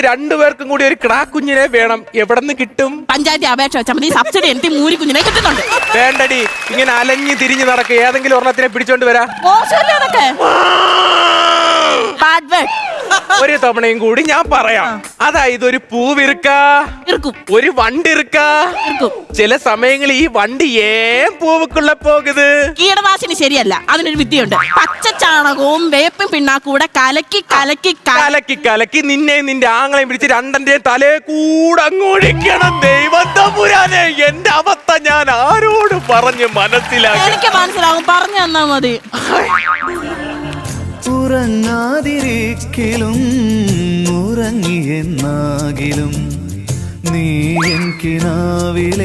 രണ്ടുപേർക്കും കൂടി ഒരു കിടാക്കുഞ്ഞിനെ വേണം. എവിടെ നിന്ന് കിട്ടും? പഞ്ചായത്ത് അപേക്ഷ വെച്ചാൽ മതി. സബ്സിഡി എനിക്ക് മൂരി കുഞ്ഞിനെ കിട്ടുന്നുണ്ട്. വേണ്ടടി, ഇങ്ങനെ അലഞ്ഞു തിരിഞ്ഞു നടക്കുക. ഏതെങ്കിലും ഒരെണ്ണത്തിനെ പിടിച്ചോണ്ട് വരാ. മോശമല്ലേ അതൊക്കെ? ഒരു തവണയും കൂടി ഞാൻ പറയാം. അതായത് ഒരു പൂവിറുക്ക, ഒരു വണ്ടിറുക്ക. ചില സമയങ്ങളിൽ ഈ വണ്ടി ഏൻ പൂവുക്കുള്ള പോകുന്നത്. കീടനാശിനി ശരിയല്ല, അതിനൊരു വിദ്യയുണ്ട്. പച്ചച്ചാണകവും വേപ്പും പിണ്ണാക്കൂടെ കലക്കി കലക്കി കലക്കി കലക്കി നിന്നെയും നിന്റെ ആങ്ങളെയും പിടിച്ച് രണ്ടന്റെയും തലേ കൂടെ അങ്ങോടിക്കണം. ദൈവത്തമ്പുരാനെ, എന്റെ അവസ്ഥ ഞാൻ ആരോട് പറഞ്ഞ് മനസ്സിലാക്കി? എനിക്ക് മനസ്സിലാകും, പറഞ്ഞു തന്നാ മതി. ഉറങ്ങാതിരിക്കലും ഉറങ്ങിയെന്നാകിലും നീ എൻ കിനാവിലെ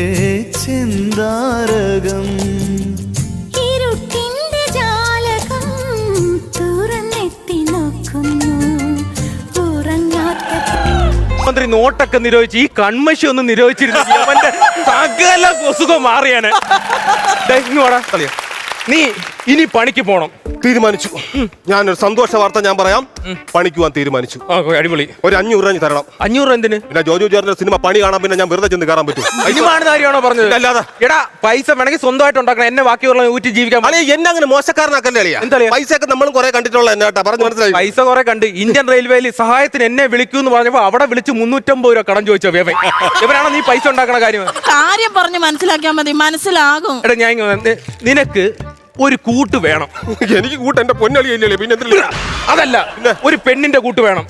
ചെന്താരകം. ഇരുട്ടിന്റെ ജാലകം തുറന്നെത്തി നോക്കുന്നു മന്ത്രി നോട്ടൊക്കെ നിരോധിച്ച് ഈ കൺമശി ഒന്ന് നിരോധിച്ചിരുന്നു അവന്റെ സകല കൊസുഖം മാറിയാണ്. നീ ഇനി പണിക്ക് പോണം തീരുമാനിച്ചു. ഞാനൊരു സന്തോഷ വാർത്ത ഞാൻ പറയാം. പണിക്ക് പോകാൻ തീരുമാനിച്ചു. അടിപൊളി. ഒരു 500 രൂപ തരണം. 500 എന്തിന്? പിന്നെ ജോജു ചേർന്ന സിനിമ പണി കാണാൻ പിന്നെ ഞാൻ വെറുതെ ചെന്ന് കയറാൻ പറ്റും? കാര്യമാണോ പറഞ്ഞത്? അല്ലാതെ എടാ, പൈസ വേണമെങ്കിൽ സ്വന്തമായിട്ട് ഉണ്ടാക്കണം. എന്നെ ബാക്കിയുള്ള ഊറ്റി ജീവിക്കാൻ. എന്നെ അങ്ങനെ മോശക്കാരനാക്കല്ലേ അളിയാ? എന്താ പൈസ ഒക്കെ നമ്മളും കുറെ കണ്ടിട്ടുള്ള എന്നാട്ടാ പറഞ്ഞു മനസ്സിലായി. പൈസ കുറെ കണ്ട് ഇന്ത്യൻ റെയിൽവേയിൽ സഹായത്തിന് എന്നെ വിളിക്കൂ എന്ന് പറഞ്ഞപ്പോ അവിടെ വിളിച്ച് 350 രൂപ കടം ചോദിച്ചോ. ഇവരാണോ നീ പൈസ ഉണ്ടാക്കണ കാര്യം പറഞ്ഞ് മനസ്സിലാക്കിയാൽ മതി, മനസ്സിലാകും. എടാ, ഞാൻ നിനക്ക് ഒരു കൂട്ട് വേണം. എനിക്ക് കൂട്ട് എന്റെ പൊന്നളിയല്ലേ? പിന്നെ അതല്ല, ഒരു പെണ്ണിന്റെ കൂട്ട് വേണം.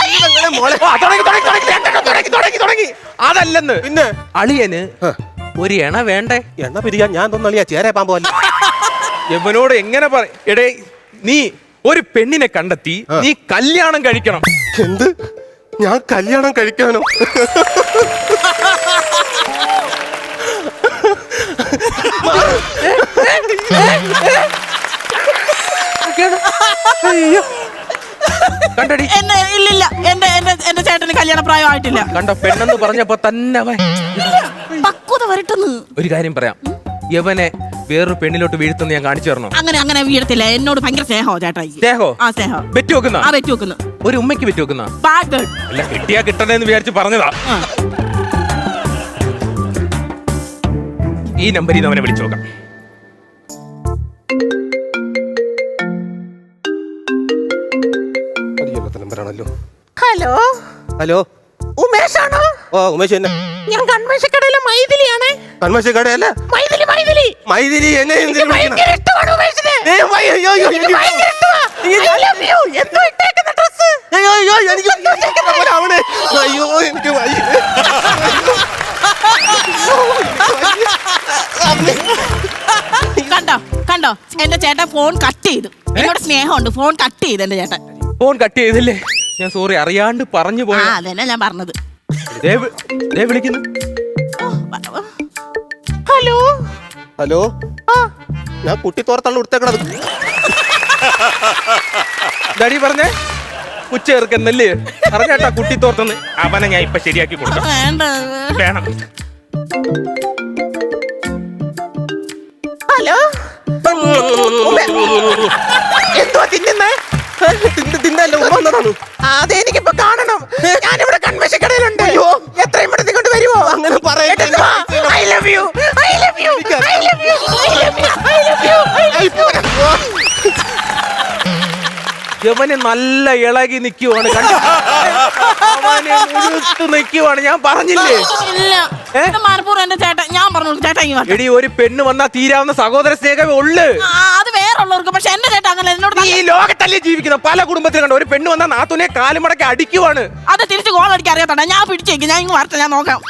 അതല്ലെന്ന്. പിന്നെ അളിയന് ഒരു എണ വേണ്ടേ? എണ്ണ പിരിയാൻ ഞാൻ തോന്നളിയാ ചേരെ പാമ്പോ. യവനോട് എങ്ങനെ പറ? എടേ, നീ ഒരു പെണ്ണിനെ കണ്ടെത്തി നീ കല്യാണം കഴിക്കണം. എന്ത്? ഞാൻ കല്യാണം കഴിക്കാനോ? കണ്ടടി, ഇല്ലില്ല, എന്റെ ചേട്ടന് കല്യാണ പ്രായമായിട്ടില്ല. കണ്ടോ, പെണ്ണെന്ന് പറഞ്ഞപ്പോ തന്നെ പക്വത വരട്ടെന്ന്. ഒരു കാര്യം പറയാം, യവനെ വേറൊരു പെണ്ണിലോട്ട് വീഴ്ത്തുന്ന ഞാൻ കാണിച്ചു തരണോ? അങ്ങനെ വീഴത്തില്ല. എന്നോട് ഭയങ്കര സ്നേഹോ ചേട്ടായി. സ്നേഹോ? ആ, സ്നേഹം. വെറ്റി വെക്കുന്ന? ആ, വെറ്റി വെക്കുന്നു. ഒരു ഉമ്മയ്ക്ക് വെറ്റി വെക്കുന്ന? അല്ല, കിട്ടിയാ കിട്ടണേന്ന് വിചാരിച്ച് പറഞ്ഞതാ. ഈ നമ്പറിൽ നിന്ന് അവനെ വിളിച്ചു നോക്കാം. നമ്പറാണല്ലോ. ഹലോ ഹലോ, ഉമേഷാണോ? ഓ, ഉമേഷ് തന്നെ. ഞാൻ കൺമേശക്കടയിലെ മൈഥിലിയാണേ. കൺമേശ കടയല്ല, മൈഥിലി. മൈഥിലി എന്നെ ഭയങ്കര ഇഷ്ടമാണ് ഉമേഷിനെ. എനിക്ക് ഭയങ്കര ഇഷ്ടമാ. I love you. എന്തോ ഇട്ടേക്കുന്ന ഡ്രസ്. അയ്യോ എനിക്ക് അയ്യോ എനിക്ക് കണ്ടോ എന്റെ ചേട്ടൻ ഫോൺ കട്ട് ചെയ്തു. എന്നോട് സ്നേഹമുണ്ട്, ഫോൺ കട്ട് ചെയ്തു എന്റെ ചേട്ടൻ. ഫോൺ കട്ട് ചെയ്തില്ലേ? ഞാൻ സോറി, അറിയാണ്ട് പറഞ്ഞു പോയ. അതന്നെ ഞാൻ പറഞ്ഞത്. വിളിക്കുന്നു. ഹലോ ഹലോ, ഞാൻ കുട്ടിത്തോറത്തള്ള ഉടുത്തേക്കണത്. ഡാഡി പറഞ്ഞേ ഉച്ചേർക്കെന്നല്ലേ പറഞ്ഞേട്ടാ കുട്ടിത്തോർത്തെന്ന്. അവനെ ഞാൻ ഇപ്പൊ ശരിയാക്കി കൊടുക്കാം. വേണം. ഹലോ, എന്തോ തിന്നുന്നേ? തിന്നല്ല വന്നതാണ്. അതെനിക്കിപ്പോ കാണണം. ഞാനിവിടെ കൺവെൻഷക്കടയിലുണ്ട്. എത്രയും പെട്ടെന്ന് കൊണ്ട് വരുമോ? അങ്ങനെ പറയട്ടെ. I love you. I love you. I love you. I love you. I love you. I love you. യവന് നല്ല ഇളകി നിൽക്കുവാണ്. നിൽക്കുവാണ്. ഞാൻ പറഞ്ഞില്ലേ? എന്റെ ചേട്ടൻ, ഞാൻ പറഞ്ഞു ചേട്ടാ, എടി, ഒരു പെണ്ണ് വന്നാ തീരാവുന്ന സഹോദര സ്നേഹമേ ഉള്ളു. അത് വേറുള്ളവർക്ക്. പക്ഷെ എന്റെ ചേട്ടൻ അങ്ങനെ എന്നോട്. ഈ ലോകത്തല്ലേ ജീവിക്കുന്ന പല കുടുംബത്തിലും കണ്ടോ, ഒരു പെണ്ണ് വന്നാ നാത്തുനെ കാലുമടക്കി അടിക്കുവാണ്. അത് തിരിച്ച് ഗോൾ അടിക്കാൻ അറിയാത്തണ്ട. ഞാൻ പിടിച്ചേക്ക്, ഞാൻ ഇങ്ങ് വരട്ടെ, ഞാൻ നോക്കാം.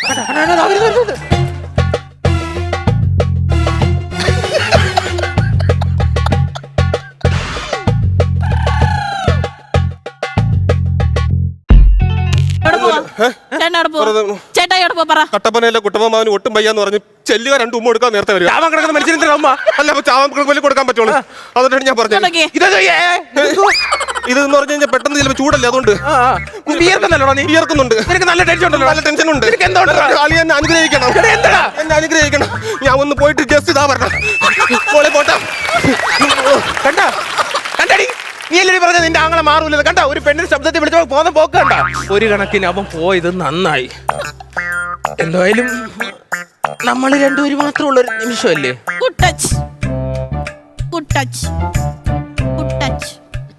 കട്ടപ്പനയിലെ കുട്ടമ്മമാവന് ഒട്ടും വയ്യാന്ന് പറഞ്ഞ് ചെല്ലുക 2 ഉമ്മ കൊടുക്കാൻ നേരത്തെ വരിക. ചാവാൻ കിടക്കുന്ന മനുഷ്യന്റെ അമ്മ അല്ല, ചാവാൻ കൊടുക്കാൻ പറ്റുള്ളൂ. അതുകൊണ്ടാണ് ഞാൻ പറഞ്ഞത്. ഇതെന്ന് പറഞ്ഞു കഴിഞ്ഞാൽ പെട്ടെന്ന് ചിലപ്പോൾ ചൂടല്ലേ, അതുകൊണ്ട് വിയർക്കുന്നുണ്ട്. നല്ല ടെൻഷൻ ഉണ്ടല്ലോ. നല്ല ടെൻഷൻ ഉണ്ട്. എന്നെ അനുഗ്രഹിക്കണം, എന്നെ അനുഗ്രഹിക്കണം. ഞാൻ ഒന്ന് പോയിട്ട് ജസ്റ്റ് ഇതാ പറഞ്ഞ പോട്ടെ. കണ്ടടി, നീ അല്ലേ പറഞ്ഞ നിന്റെ ആങ്ങളെ മാറൂല കണ്ട ഒരു പെണ്ണിന്റെ ശബ്ദത്തിൽ വിളിച്ചോ പോന്ന പോക്ക് കണ്ട. ഒരു കണക്കിന് അവൻ പോയത് നന്നായി. എന്തായാലും നമ്മൾ രണ്ടുപേരും മാത്രമുള്ള ഒരു നിമിഷമല്ലേ. Good touch good touch good touch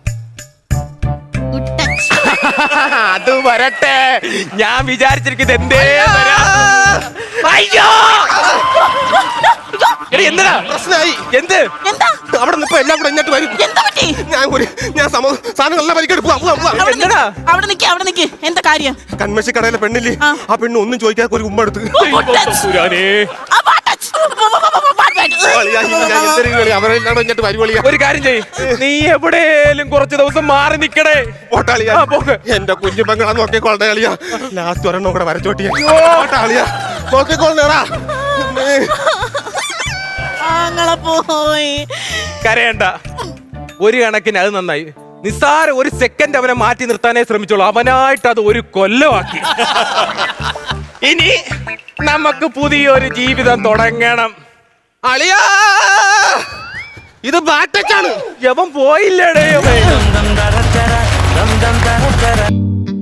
good touch. അത് വരട്ടെ, ഞാൻ വിചാരിച്ചിരിക്കുന്നത് എന്തേ അയ്യോ എന്താ പ്രശ്നമായി. എന്ത് എന്താ അവിടെ നിന്ന് ഇപ്പൊ എല്ലാം കൂടെ ഇങ്ങോട്ട് വരും. എന്താ പറ്റി? ഞാൻ സാധനങ്ങളെല്ലാം പരിക്കെടുപ്പ്. എന്താടാ? അവിടെ നിക്ക് എന്താ കാര്യം? കൺമശി കടയിലെ പെണ്ണില്ലേ, ആ. ആ പെണ്ണ് ഒന്നും ചോദിക്കാതെ ഒരു ഉമ്മ എടുത്ത്. അവരെല്ലാം ഇങ്ങോട്ട് വരുവളിയാ. ഒരു കാര്യം ചെയ്യ്, നീ എവിടെയും കുറച്ച് ദിവസം മാറി നിക്കടേ. ഓട്ടാളിയാ ആ, പോക്ക്. എന്റെ കുഞ്ഞു പെങ്ങളാ നോക്കിക്കോളെ അളിയാ. ലാസ്റ്റ് ഒരെണ്ണം കൂടെ വരച്ചോട്ടിയാ. ഓട്ടാളിയാ നോക്കിക്കോളേടാ. ആങ്ങളെ പോയി. കരയണ്ട, ഒരു കണക്കിന് അത് നന്നായി. നിസ്സാര ഒരു സെക്കൻഡ് അവനെ മാറ്റി നിർത്താനേ ശ്രമിച്ചോളൂ. അവനായിട്ട് അത് ഒരു കൊല്ലമാക്കി. ഇനി നമുക്ക് പുതിയൊരു ജീവിതം തുടങ്ങണം. അളിയാ ഇത് ബാറ്റച്ചാണ്. യവൻ പോയില്ലേടേ.